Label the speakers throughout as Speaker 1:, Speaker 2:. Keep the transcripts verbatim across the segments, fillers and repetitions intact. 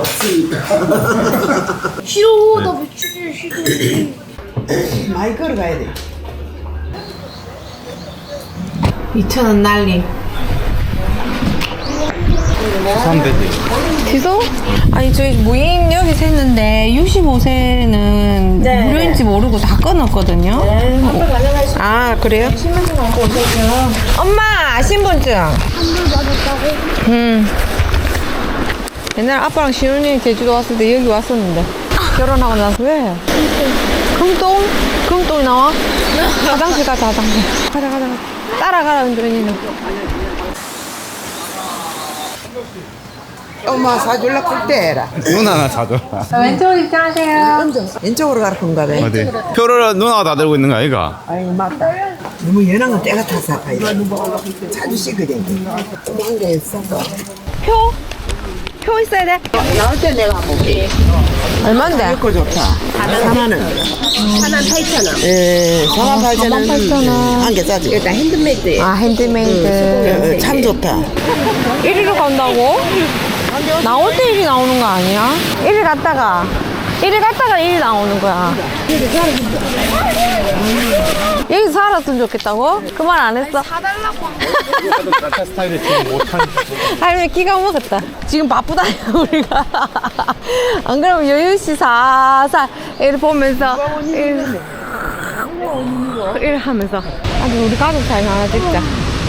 Speaker 1: 없으니까.
Speaker 2: 싫어, 나 외출이 싫어.
Speaker 1: 많이 걸어가야 돼.
Speaker 3: 이천 원 날림.
Speaker 4: 수산대지.
Speaker 3: 지소? 아니 저희 무인 여기서 했는데 육십오 세는
Speaker 2: 네.
Speaker 3: 무료인지 모르고 다 끊었거든요.
Speaker 2: 네, 한번 가져가시고.
Speaker 3: 아 그래요?
Speaker 2: 신분증 갖고 오세요.
Speaker 3: 엄마 신분증.
Speaker 2: 한번 받았다고?
Speaker 3: 음. 옛날 아빠랑 시훈이 제주도 왔을 때 여기 왔었는데 결혼하고 나서 왜? 금동? 금동이 나와? 화장실 가자 화장실. 가자 가자 가자. 따라가라 은준이는.
Speaker 1: 엄마 사줄라 그때 해라.
Speaker 4: 누나나 사줘라.
Speaker 3: 왼쪽으로 입장하세요.
Speaker 1: 왼쪽으로 가라 건가 봐.
Speaker 4: 어디? 표를 누나가 다 들고 있는 거 아이가?
Speaker 1: 아이고 맞다. 너무 연한 건 때가 타서 아파요. 자주 씻거든. 조그만 게 있어.
Speaker 3: 표? 표 있어야 돼?
Speaker 1: 나올 때 내가 한번 볼게.
Speaker 3: 얼만데?
Speaker 1: 이거 좋다. 사만 원.
Speaker 2: 하나 팔천 원.
Speaker 1: 예, 사만 팔천 원.
Speaker 3: 사만 팔천 원.
Speaker 1: 한 개 싸지.
Speaker 2: 일단 핸드메이드예요.
Speaker 3: 아 핸드메이드.
Speaker 1: 예, 참 좋다.
Speaker 3: 이리로 간다고? 나올 때 일이 나오는 거 아니야? 일이 갔다가 일이 갔다가 일이 나오는 거야. 여기서 살았으면 좋겠다고? 그 말 안 했어? 사달라고.
Speaker 4: 나타 스타일을 지금 못한.
Speaker 3: 할머니 기가 먹었다. 지금 바쁘다 우리가. 안 그러면 여유씨 살살 이렇게 보면서 일, 일 하면서 아주 우리 가족 사진 하나 찍자.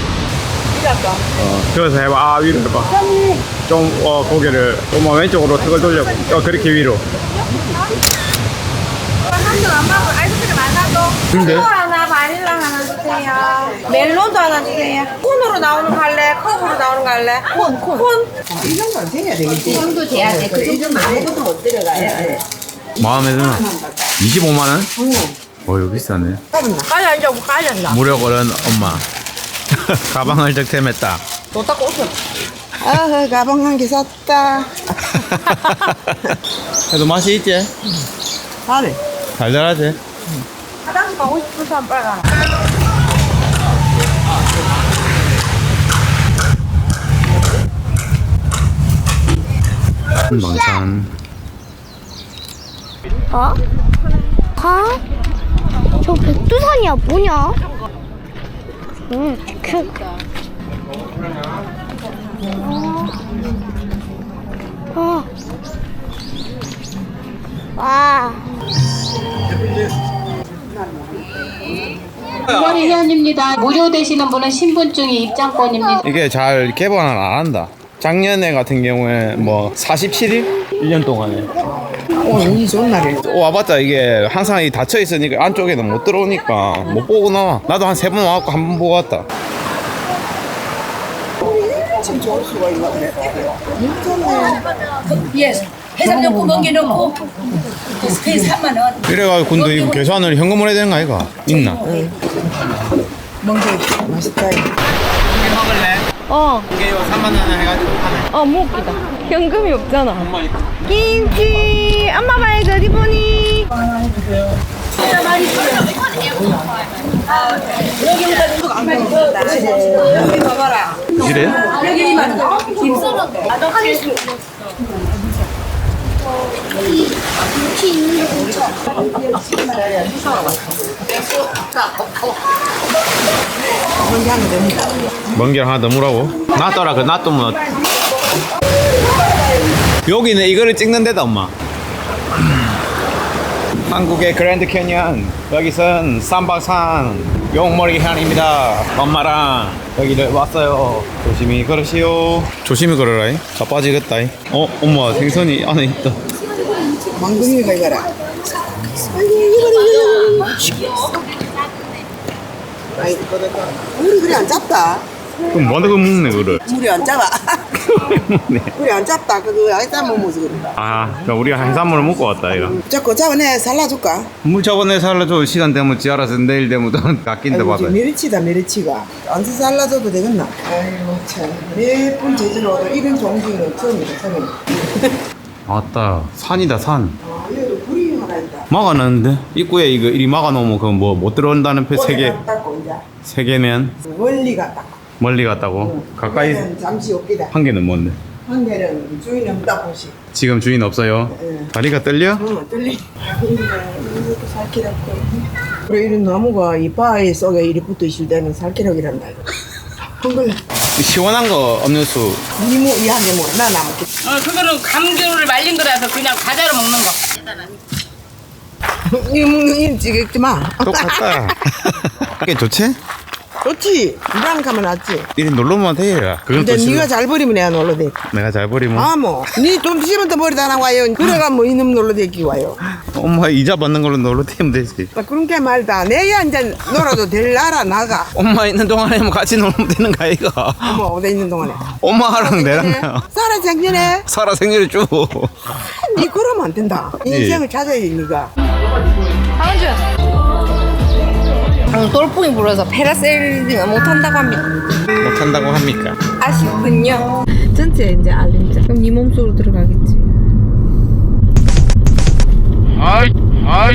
Speaker 4: 어, 그래서 해봐. 아 위로 해봐. 좀 어, 고개를 엄마 왼쪽으로 턱을 돌려고. 어 그렇게 위로.
Speaker 3: 한도 안 먹고 아이스크림 안 사도.
Speaker 4: 근데?
Speaker 3: 초콜 하나, 바닐라 하나 주세요. 멜론도 하나 주세요. 콘으로 나오는 거 할래? 컵으로 나오는 거 할래? 콘, 콘. 콘?
Speaker 1: 이 정도는 돼야 되겠지.
Speaker 2: 정도 돼야 돼. 그 정도면 아무것도 못 들어가요.
Speaker 4: 마음에 드나? 이십오만 원? 어 이거 비싸네.
Speaker 3: 빨리 앉아, 빨리 앉아.
Speaker 4: 무료 거른 엄마. 가방을 득템했다.
Speaker 3: 너 닦고 오세요.
Speaker 1: 아, 가방 한 개 샀다.
Speaker 4: 그래도 맛이 있지?
Speaker 1: 잘해.
Speaker 4: 달달하지?
Speaker 3: 화장실 가고 싶은 사람 빨리 가라.
Speaker 4: 방찬.
Speaker 2: 어? 가? 저 백두산이야 뭐냐? 응, 그. 어. 와.
Speaker 5: 이번 회원입니다. 무료 되시는 분은 신분증이 입장권입니다.
Speaker 4: 이게 잘 개방을 안 한다. 작년에 같은 경우에 뭐 사십칠 일? 일 년 동안에.
Speaker 1: 오늘 운이 좋은 날이네.
Speaker 4: 와봤자 이게 항상 이 닫혀 있으니까 안쪽에는 못 들어오니까 못 보고 나와. 나도 한 세 번 와갖고 한 번 보고 왔다.
Speaker 1: 참 좋을 수가 있나 그래.
Speaker 6: 예, 해삼용품 먹여놓고 그게 삼만 원.
Speaker 4: 이래가지고 근데 이거 계산을 현금으로 해야 되는 거 아이가? 있나?
Speaker 1: 멍게 맛있다.
Speaker 3: 어,
Speaker 4: 이게 삼만 원 해가지고 하네.
Speaker 3: 어, 뭐 웃기다. 현금이 없잖아. 김치! 엄마 봐야지, 어디 보니?
Speaker 6: 여기 봐봐라.
Speaker 4: 이래?
Speaker 6: 여기 이만 김선호.
Speaker 1: 멍게 하나 됩니다.
Speaker 4: 먼길 하나 더 무라고? 놔둬라 그 놔두면 여기는 이거를 찍는 데다 엄마. 한국의 그랜드 캐니언 여기선 삼박산 용머리 해안입니다. 엄마랑 여기를 왔어요. 조심히 걸으시오. 조심히 걸어라. 자빠지겠다. 어 엄마 생선이 안에 있다.
Speaker 1: 망둥이가 이거라. 아이고, 물이 그래 안 잡다.
Speaker 4: 그럼 뭐하다 그 먹네 그거를.
Speaker 1: 물이 안 잡아.
Speaker 4: 네.
Speaker 1: 물이 안 잡다. 그거 아이다 못 먹어서 그런다.
Speaker 4: 아 그럼 우리가 해산물을 먹고 왔다 이거.
Speaker 1: 자꾸 잡아내 살라줄까?
Speaker 4: 물 저번에 살려줘. 시간 되면 지 알아서 내일 되면 깎인다
Speaker 1: 아이고,
Speaker 4: 봐봐.
Speaker 1: 이제 메리치다 메리치가. 안 살라줘도 되겠나? 아이고 참. 몇 번 제주로 와도 이런 종지는 처음이다 처음.
Speaker 4: 아따 산이다 산.
Speaker 1: 아 여기도 불이 하나 있다.
Speaker 4: 막아놨는데 입구에 이거 이리 막아놓으면 그 뭐 못 들어온다는 표세개
Speaker 1: 닦고 이제
Speaker 4: 세 개면
Speaker 1: 멀리 갔다.
Speaker 4: 멀리 갔다고 가까이
Speaker 1: 잠시 없기다.
Speaker 4: 한 개는 뭔데?
Speaker 1: 한 개는 주인이 없다 보시.
Speaker 4: 지금 주인 없어요.
Speaker 1: 네.
Speaker 4: 다리가 떨려?
Speaker 1: 어, 떨리. 이렇게 살기랍고. 그래 이런 나무가 이 바위 속에 이리 붙어 있을 때는 살기록이란다. 한걸
Speaker 4: 시원한 거 없는 수.
Speaker 1: 이모 이한개 먹어. 나 남게.
Speaker 6: 어, 그거는 감귤을 말린 거라서 그냥 과자로 먹는 거.
Speaker 1: 이 먹는 이 찍지 마.
Speaker 4: 똑같다. 이게 좋지?
Speaker 1: 좋지. 이랑 가면 낫지.
Speaker 4: 이리 놀러만 돼야. 그건
Speaker 1: 근데
Speaker 4: 또 싫어.
Speaker 1: 네가 잘 버리면 내가 놀러 대.
Speaker 4: 내가 잘 버리면.
Speaker 1: 아 뭐. 니돈 주시면 또 버리 다 나와요. 그래가 뭐 이놈 놀러 대기 와요.
Speaker 4: 엄마 이자 받는 걸로 놀러 다니면 되지.
Speaker 1: 나 그런 게 말다. 내야 이제 놀아도 될 나라 나가.
Speaker 4: 엄마 있는 동안에 뭐 같이 놀면 되는 거 아이가?
Speaker 1: 어머 어디 있는 동안에.
Speaker 4: 엄마랑 나랑
Speaker 1: 살아 작년에.
Speaker 4: 살아 생일을 주.
Speaker 1: 니 그러면 안 된다. 인생을 찾아야지 니가.
Speaker 3: 강은주. 오늘 돌풍이 불어서 패라세일링을 못한다고 합니다.
Speaker 4: 못한다고 합니까?
Speaker 3: 아쉽군요. 전체 이제 알림자. 그럼 네 몸속으로 들어가겠지.
Speaker 4: 아이 아이.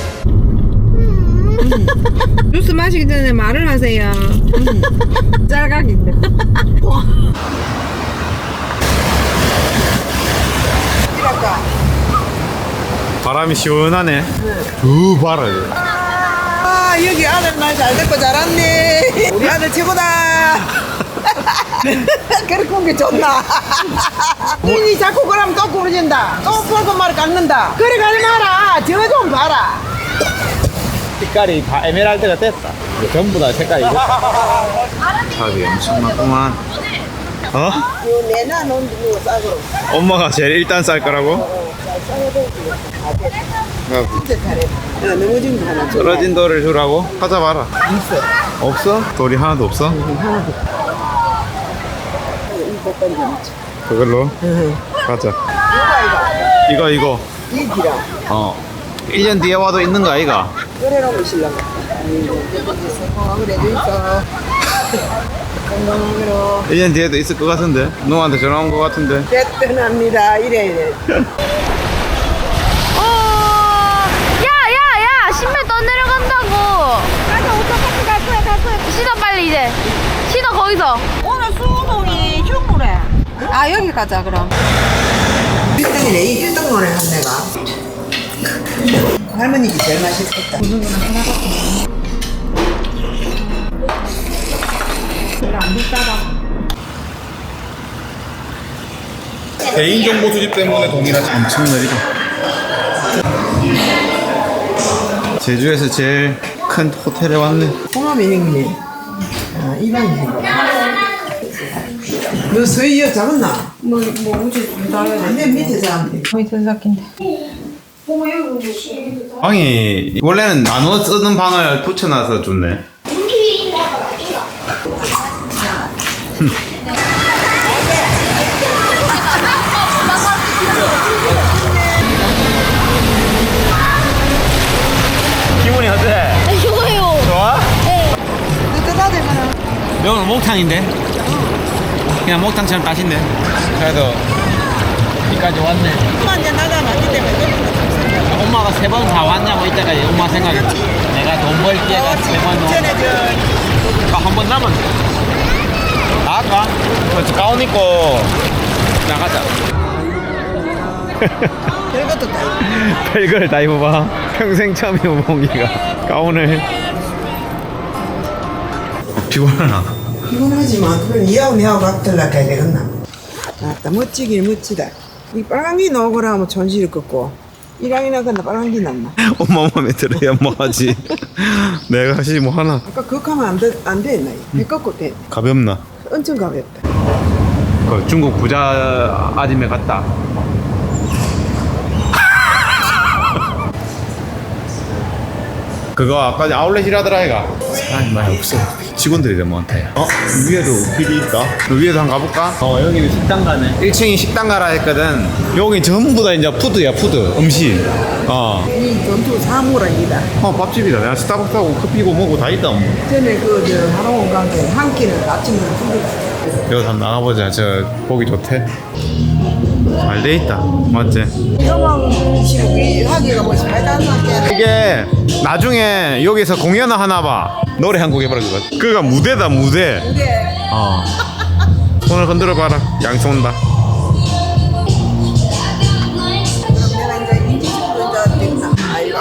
Speaker 3: 주스 마시기 전에 말을 하세요. 음. 짤각인데.
Speaker 1: 이랄까.
Speaker 4: 바람이 시원하네. 두 바람.
Speaker 1: 아 여기 아들 말 잘 듣고 자랐네. 우리 아들 최고다. 그렇게 온 게 좋나. 니 자꾸 그러면 또 부러진다. 또 폴고 말 깎는다. 그래 가지 마라. 저거 좀 봐라.
Speaker 4: 색깔이 다 에메랄드가 됐다. 전부 다 색깔이. 탑이 엄청나구만. 어?
Speaker 1: 요 내나 놓은 거 싸고.
Speaker 4: 엄마가 제일 일단 쌀 거라고?
Speaker 1: 진짜 잘해. 야, 넘어진 거 하나 줘.
Speaker 4: 떨어진 돌을 주라고? 찾아봐라.
Speaker 1: 있어.
Speaker 4: 없어? 돌이 하나도 없어?
Speaker 1: 하나도. 이거 던져놓자.
Speaker 4: 그걸로
Speaker 1: 응.
Speaker 4: 가자.
Speaker 1: 이거 이거.
Speaker 4: 이거 이거.
Speaker 1: 이 기라.
Speaker 4: 어. 일 년 뒤에 와도 있는 거 아이가?
Speaker 1: 끓여놓으면 신랑. 아이고, 건강을 해도 있어. 건강으로.
Speaker 4: 일 년 뒤에도 있을 것 같은데? 너한테 전화 온 것 같은데?
Speaker 1: 떼뜬합니다. 이래 이래.
Speaker 2: 어, 야, 야, 야, 신발 떠내려간다고. 가자, 어떡하지? 갈 거야, 갈 거야. 신어, 빨리 이제. 신어, 거기서.
Speaker 3: 오늘 수호동이 휴무래. 아 여기 가자 그럼.
Speaker 1: 일 등이네. 이 일 등 노래 한 내가. 할머니기 제일 맛있겠다.
Speaker 4: 개인정보 수집 때문에 동일하지. 엄청 느리다. 제주에서 제일 큰 호텔에 왔네.
Speaker 1: 홍합이네. 아, 이방이네. 너 서희여 잡았나?
Speaker 3: 뭐, 뭐 우주 나야
Speaker 1: 내 밑에 잡았네.
Speaker 3: 거의 전삭인데.
Speaker 4: 방이 원래는 나눠 쓰는 방을 붙여놔서 좋네. 기분이 어때?
Speaker 2: 좋아요.
Speaker 4: 좋아?
Speaker 1: 뜨뜻하대, 그럼.
Speaker 4: 여기는 목탕인데? 그냥 목탕처럼 따신데? 그래도 여기까지 왔네.
Speaker 1: 엄마 이제 나가 맞기 때문에.
Speaker 4: 엄마가 세 번 다 왔냐고 이때가 엄마 생각했지. 내가 돈 벌 기회가 세번
Speaker 1: 전에 저
Speaker 4: 한 번 남았네. 나갈까? 저 가운 입고 나가자.
Speaker 1: 별것도 다.
Speaker 4: 별걸 다 입어봐. 평생 처음 입어본 기가 가운을. 피곤하나?
Speaker 1: 피곤하지만 그건 이하고 내하고 같을라 가야 되겠나? 아따 멋지긴 멋지다. 이 빨강기 넣으라 하면 전시를 꺾고 이랑이나 간다 빨강기 났나?
Speaker 4: 엄마 마음에 들어야 뭐 하지. 내가 하지 뭐 하나.
Speaker 1: 아까 그거 하면 안 돼, 안 됐나? 배 꺾고 돼.
Speaker 4: 가볍나?
Speaker 1: 엄청 가볍다.
Speaker 4: 그 중국 부자 아줌마 같다. 그거 아까 아울렛이라더라 이가. 사람이 많이 없어. 직원들이 너무 많다. 어? 위에도 길이 있다. 위에도 한번 가볼까? 어 여기는 식당 가네. 일 층이 식당 가라 했거든. 여기 전부 다 이제 푸드야 푸드 음식. 어.
Speaker 1: 이 전투 사무라이다.
Speaker 4: 어 밥집이다. 내가 스타벅스하고 커피고 뭐고 다 있다. 뭐.
Speaker 1: 전에 그저 하롱 관계 한 끼는 아침에 두개.
Speaker 4: 여기 한번 나가보자. 저 보기 좋대. 잘 돼 있다. 맞지?
Speaker 1: 영왕식으로 하기가 뭐 잘단하게.
Speaker 4: 이게 나중에 여기서 공연을 하나 봐. 노래 한 곡 해보라 그거. 그가 무대다 무대.
Speaker 1: 이게
Speaker 4: 어. 손을 흔들어 봐라. 양손 온다.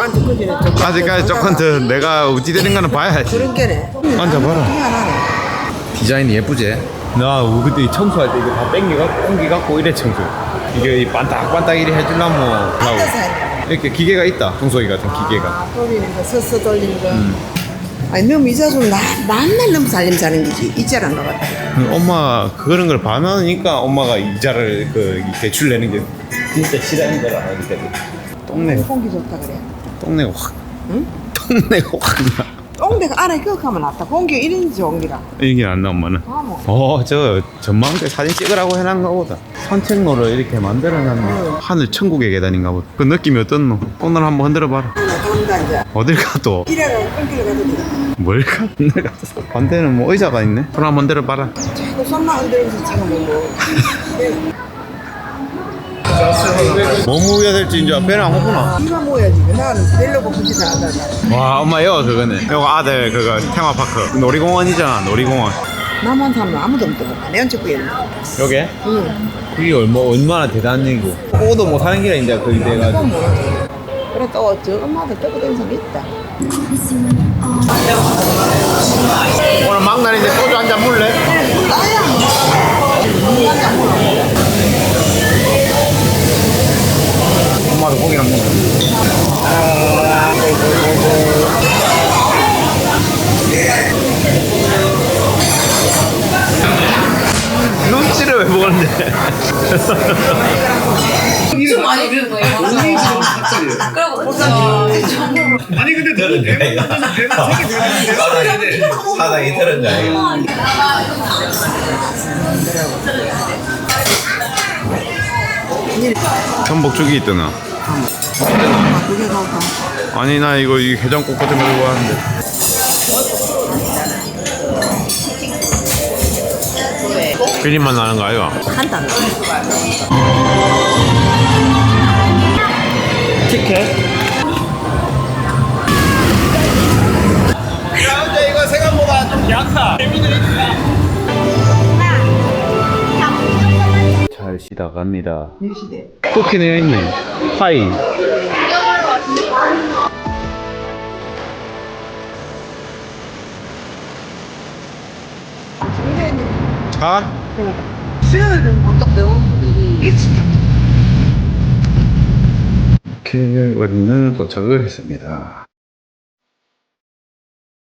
Speaker 1: 엄마한테 그전에 좀
Speaker 4: 아직까지 조금 더 내가 어찌 되는 거는 봐야지.
Speaker 1: 그런 게네.
Speaker 4: 앉아봐라.
Speaker 1: 희한하네.
Speaker 4: 디자인이 예쁘지? 나 그때 청소할 때 이거 다 땡기갖고 옮기갖고 이래 청소. 이게 이 반딱반딱 이래 해주려면 하고 이렇게 기계가 있다. 청소기 같은 기계가.
Speaker 1: 아, 돌리는 거, 서서 돌리는 거. 아니, 너무 이자손 나, 맨날 너무 살림 사는 거지. 이자란 거 같아.
Speaker 4: 그 엄마 그런 걸 반하니까 엄마가 이자를 그 대출 내는 게 진짜 싫어하는 걸 알기 때문에. 똥내가
Speaker 1: 공기 좋다 그래.
Speaker 4: 똥내가 확.
Speaker 1: 응?
Speaker 4: 똥내가 확 나.
Speaker 1: 똥대가 안에 기억하면 낫다. 공기 이런 좋은기라.
Speaker 4: 이게 안 나 엄마는.
Speaker 1: 아, 뭐.
Speaker 4: 어, 저 전망대 사진 찍으라고 해놓은 거보다 산책로를 이렇게 만들어놨네. 하늘 천국의 계단인가 보다. 그 느낌이 어떻노? 오늘 한번 흔들어봐라.
Speaker 1: 간다, 이제.
Speaker 4: 어딜 가도
Speaker 1: 이래가 공기를 가도 돼.
Speaker 4: 뭘 가? 오늘 가서 반대는 뭐 의자가 있네. 손 한번 들어봐라.
Speaker 1: 자꾸 손만 흔들면서 지금 뭐.
Speaker 4: 뭐 먹어야 될지 이제 배는 안 고프나?
Speaker 1: 이거 뭐야지. 나는 별로 고프지도 않아.
Speaker 4: 와 엄마 이거 그거네. 이거 아들 그거 테마파크 놀이공원이잖아. 놀이공원.
Speaker 1: 나만 사면 아무도 없던 거야. 내 언제 구했나?
Speaker 4: 요게?
Speaker 1: 응.
Speaker 4: 그게 얼마 얼마나 대단한 얘기고. 오도 못 사는 길에 이제 거기
Speaker 1: 그건
Speaker 4: 돼가지고.
Speaker 1: 모르지. 그래 또 저 엄마들 떠고 다니는 사람 있다.
Speaker 4: 오늘 막날인데 소주 한 잔 물래? 엄마도 고기랑 먹어. 눈치를 왜 보는데?
Speaker 6: 좀 많이 비는 거예요.
Speaker 4: 아니 근데 너는 배만 만져서 배만 세개 되는데 사장이 들은 줄 알고. 전복죽이 있더나.
Speaker 1: 아, 그게 나올까?
Speaker 4: 아니 나 이거 이 해장국 같은 거 좋아하는데. 비린맛 나는 거 아이가?
Speaker 1: 한단.
Speaker 4: 티켓? 야 근데 이거 생각보다 좀 약하. 잘 쉬다 갑니다.
Speaker 1: 이 시대.
Speaker 4: 쿠키네요 있네. 파이. 가? 이렇게 우리는 도착을 했습니다.